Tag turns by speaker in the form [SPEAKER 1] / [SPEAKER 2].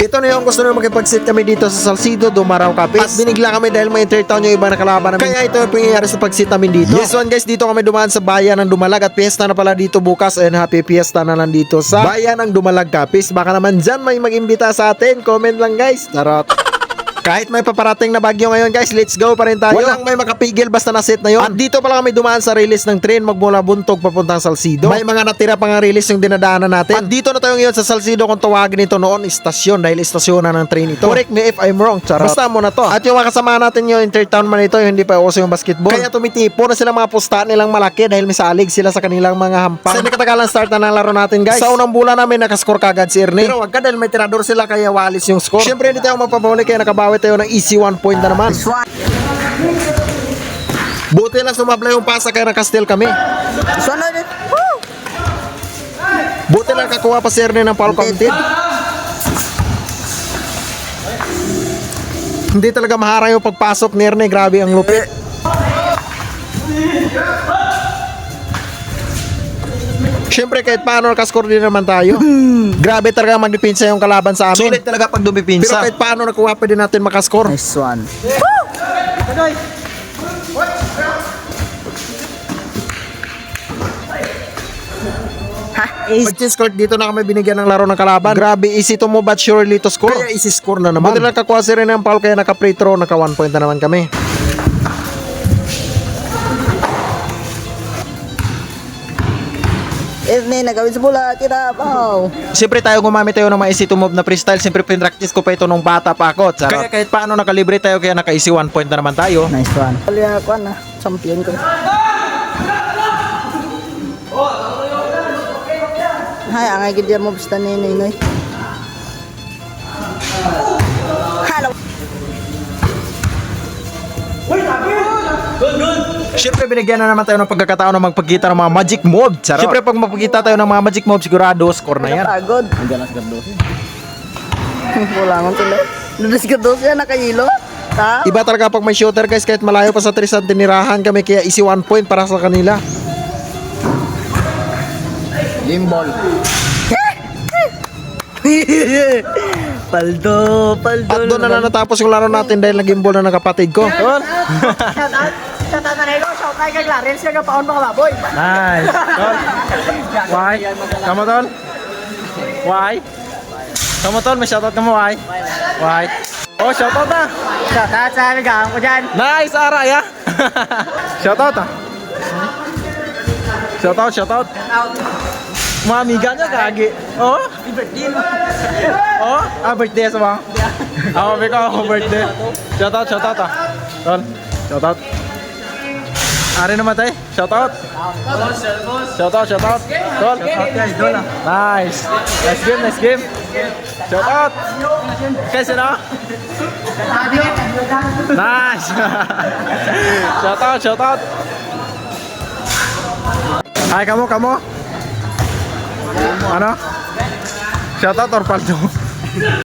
[SPEAKER 1] Ito na yung gusto nyo makipag-sit kami dito sa Salcido, Dumaraw Capiz. At binigla kami dahil may intertown yung iba na kalaban namin. Kaya ito yung pangyayari sa pag-sit namin dito. Yes one guys, dito kami dumaan sa bayan ng Dumalag at piyesta na pala dito bukas. And happy piyesta na lang dito sa bayan ng Dumalag Capiz. Baka naman dyan may mag-imbita sa atin. Comment lang guys. Tarot. Kahit may paparating na bagyo ngayon guys, let's go pa rin tayo. Walang may makapigil basta na-set na yun. At dito pala kami dumaan sa release ng train magmula Buntog papuntang Salcido. May mga natira pang release yung dinadaanan natin. At dito na tayo ngayon sa Salcido kung tawagin ito noon istasyon dahil istasyon na ng train ito. Correct me if I'm wrong, charot. Basta mo na to. At yung mga kasama natin yung intertown man ito, yung hindi pa uso yung basketball. Kaya tumitipo na sila mga pusta nilang malaki dahil may salig sila sa kanilang mga hampang. Sa katagalan start na ng laro natin guys. Sa unang bulan namin nakascore kagad si Ernie. Pero wag ka dahil may tirador sila kaya walis yung score. Siyempre hindi tayo magpapahuli kaya nakabawi tayo ng easy 1 point na naman. Buti lang sumabla yung pasa kaya nakastil kami. Buti lang kakuha pa si Ernie ng foul counted. Hindi talaga maharang yung pagpasok ni Ernie. Grabe ang lupit. Siyempre kahit paano nakascore din naman tayo. Grabe talaga magdepensa yung kalaban sa amin. Sulit talaga pag dumipinsa. Pero kahit paano nakuha pa din natin makascore.
[SPEAKER 2] Nice one.
[SPEAKER 1] Pag-change court dito na kami binigyan ng laro ng kalaban. Grabe easy to move but surely to score. Kaya easy score na naman. Buti lang kakuha si Rene ng foul kaya naka-free throw, naka 1 point na naman kami.
[SPEAKER 2] Ernie, nagawin sa bola. Tira, wow.
[SPEAKER 1] Siyempre tayo gumamit tayo ng mga easy to move na freestyle. Siyempre pinractice ko pa ito nung bata pa ako. Kaya kahit paano nakalibre tayo kaya naka-easy 1 point na naman tayo.
[SPEAKER 2] Nice one. Kaya ako na, champion ko. Hay, ang agad yung moves na ninoy. Hello.
[SPEAKER 1] Siyempre binigyan na naman tayo ng pagkakataon na magpagkita ng mga magic move. Siyempre pag magpagkita tayo ng mga magic move sigurado score na yan.
[SPEAKER 2] Pagod. Andiyan na si Gardosi. Wala nga sila. Doon si Gardosi yan, nakahilo. Ha?
[SPEAKER 1] Iba talaga pag may shooter guys kahit malayo pa sa 3 ang tinirahan kami kaya easy 1 point para sa kanila.
[SPEAKER 2] Gimbal. Paldo.
[SPEAKER 1] At doon na lang natapos yung laro natin dahil naging ball na ng kapatid ko. Nice. Tol. Why? Kamu tol? Why? Kamu tol, may shoutout ka mo, why? Why? Oh, shoutout na.
[SPEAKER 2] Shoutout sa aming gawang ko dyan.
[SPEAKER 1] Nice, Aray ah. Shoutout ah. Shoutout. Mga amiga niya, gagi. Oh?
[SPEAKER 2] Birthday mo.
[SPEAKER 1] Oh? Birthday sa mga? Ako, ako birthday. Shoutout ah. Tol, shoutout. Ari naman tayo, shoutout. Shoutout. Tol. Nice. Nice game. Shoutout. Kasi na? Nice. Shoutout. Hi, kamu. Ano? Shoutout or paldo?